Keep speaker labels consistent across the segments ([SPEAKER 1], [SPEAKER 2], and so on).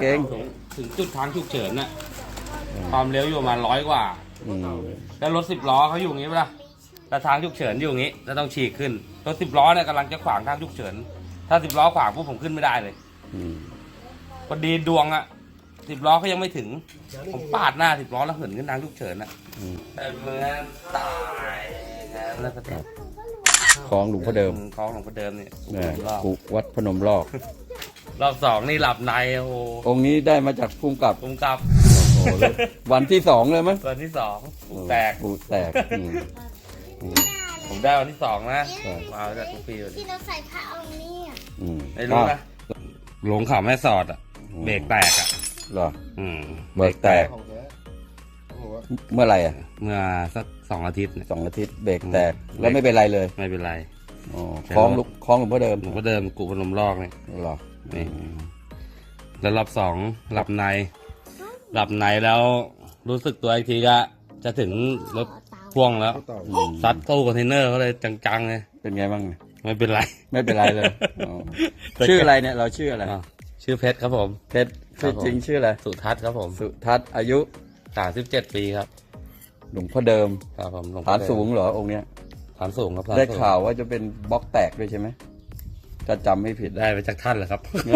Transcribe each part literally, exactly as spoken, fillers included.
[SPEAKER 1] เก่ง
[SPEAKER 2] ถึงจุดทางฉุกเฉินน่ะความเร็วอยู่ประมาณร้อยกว่า
[SPEAKER 1] อืม
[SPEAKER 2] แล้วรถสิบล้อเขาอยู่อย่างนี้ปะล่ะแต่ทางฉุกเฉินอยู่อย่างนี้แล้วต้องฉีกขึ้นรถสิบล้อเนี่ยกำลังจะขวางทางฉุกเฉินถ้าสิบล้อขวางปุ๊บผมขึ้นไม่ได้เลย
[SPEAKER 1] อืม
[SPEAKER 2] พอดีดวงอ่ะสิบล้อเขายังไม่ถึงผมปาดหน้าสิบล้อแล้วเหินขึ้นทางฉุกเฉินน่ะ
[SPEAKER 1] อืม
[SPEAKER 2] แต่เมื่อตายแล้วก็
[SPEAKER 1] ของหลวงพ่อเดิม
[SPEAKER 2] คล้องหลวงพ่อเดิมเนี่ย
[SPEAKER 1] เนี่ย
[SPEAKER 2] รอบ
[SPEAKER 1] กุวัดพนมลอก
[SPEAKER 2] รอบสองนี่หลับในโอ้โห
[SPEAKER 1] องค์นี้ได้มาจากภูมิกับ
[SPEAKER 2] ผมกลับ
[SPEAKER 1] โอ้โหเลยวันที่สองเลยมั้ย
[SPEAKER 2] วันที่สองผมแตก
[SPEAKER 1] ปูแตกอืมอืม
[SPEAKER 2] ผมได้วันที่สองนะ
[SPEAKER 1] ใช่
[SPEAKER 2] มาจากทุกปีเลย
[SPEAKER 3] ที่เราใส่ผ้าเอานี่อ่ะ
[SPEAKER 1] อืม
[SPEAKER 2] ไม่รู้นะลงเขาแม่สอดอ่ะเบรกแตกอ่ะ
[SPEAKER 1] เหรอ
[SPEAKER 2] อืม
[SPEAKER 1] เบรกแตก เมื่อไหร่อ่ะ
[SPEAKER 2] เมื่อสักสองอาทิตย์เนี่ย
[SPEAKER 1] สองอาทิตย์เบรกแตกแล้วไม่เป็นไรเลย
[SPEAKER 2] ไม่เป็นไร
[SPEAKER 1] อ๋อคล้องลูกคล้องหลวงพ่อเดิม
[SPEAKER 2] หลวงพ่อเดิมกุพนมลอกเนี่ย
[SPEAKER 1] เหรอ
[SPEAKER 2] นี่แล้วรอบสองหลับใน หลับในแล้วรู้สึกตัวอีกทีก็จะถึงรถพ่วงแล้ว
[SPEAKER 1] อืม
[SPEAKER 2] ซัดตู้คอนเทนเนอร์เขาเลยจังๆเลย
[SPEAKER 1] เป็นไงบ้าง
[SPEAKER 2] ไม่เป็นไร
[SPEAKER 1] ไม่เป็นไรเลยอ๋อชื่ออะไรเนี่ยเราชื่ออะไร
[SPEAKER 2] อ้าวชื่อเพชรครับผม
[SPEAKER 1] เพชรชื่อจริงชื่ออะไร
[SPEAKER 2] สุทัศน์ครับผม
[SPEAKER 1] สุทัศน์อายุ
[SPEAKER 2] สามสิบเจ็ดปีครับ
[SPEAKER 1] หลวงพ่อเดิม
[SPEAKER 2] ครับผมหลวงพ่
[SPEAKER 1] ฐา
[SPEAKER 2] อน เดิม
[SPEAKER 1] สูงเหรอองค์เนี้ย
[SPEAKER 2] ฐานสูงครับฐน
[SPEAKER 1] ได้
[SPEAKER 2] สูง
[SPEAKER 1] ข่าวว่าจะเป็นบล็อกแตกด้วยใช่ไหมถ้าจำไม่ผิด
[SPEAKER 2] ได้ไปจากท่านเหรอครับ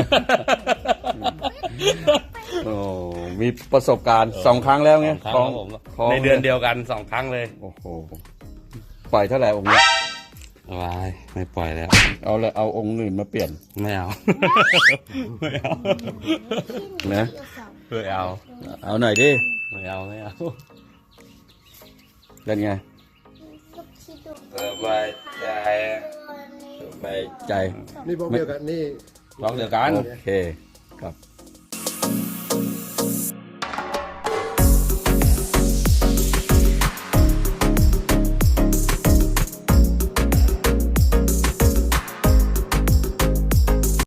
[SPEAKER 1] โอ้มีประสบการณ์สองครั้งแล้วไง
[SPEAKER 2] สองครั้งครับผม
[SPEAKER 1] คล้อง
[SPEAKER 2] ในเดือนเดียวกันสองครั้งเลย
[SPEAKER 1] โอ้โหปล่อยเท่าไหร่องค์นี้
[SPEAKER 2] วายไม่ปล่อยแล้ว
[SPEAKER 1] เอาเลยเอาองค์อื่นมาเปลี่ยน
[SPEAKER 2] ไม่เอา ไม่เอา
[SPEAKER 1] นะ
[SPEAKER 2] ไม่เอา
[SPEAKER 1] เอาหน่อยดิ
[SPEAKER 2] ไม่เอาไม่เอา
[SPEAKER 1] เป็นไง
[SPEAKER 2] สบายใจ
[SPEAKER 1] ไปใจ
[SPEAKER 4] นี่บอกเดียวกันนี่
[SPEAKER 2] ลองเดียวกัน
[SPEAKER 1] โอเคครับ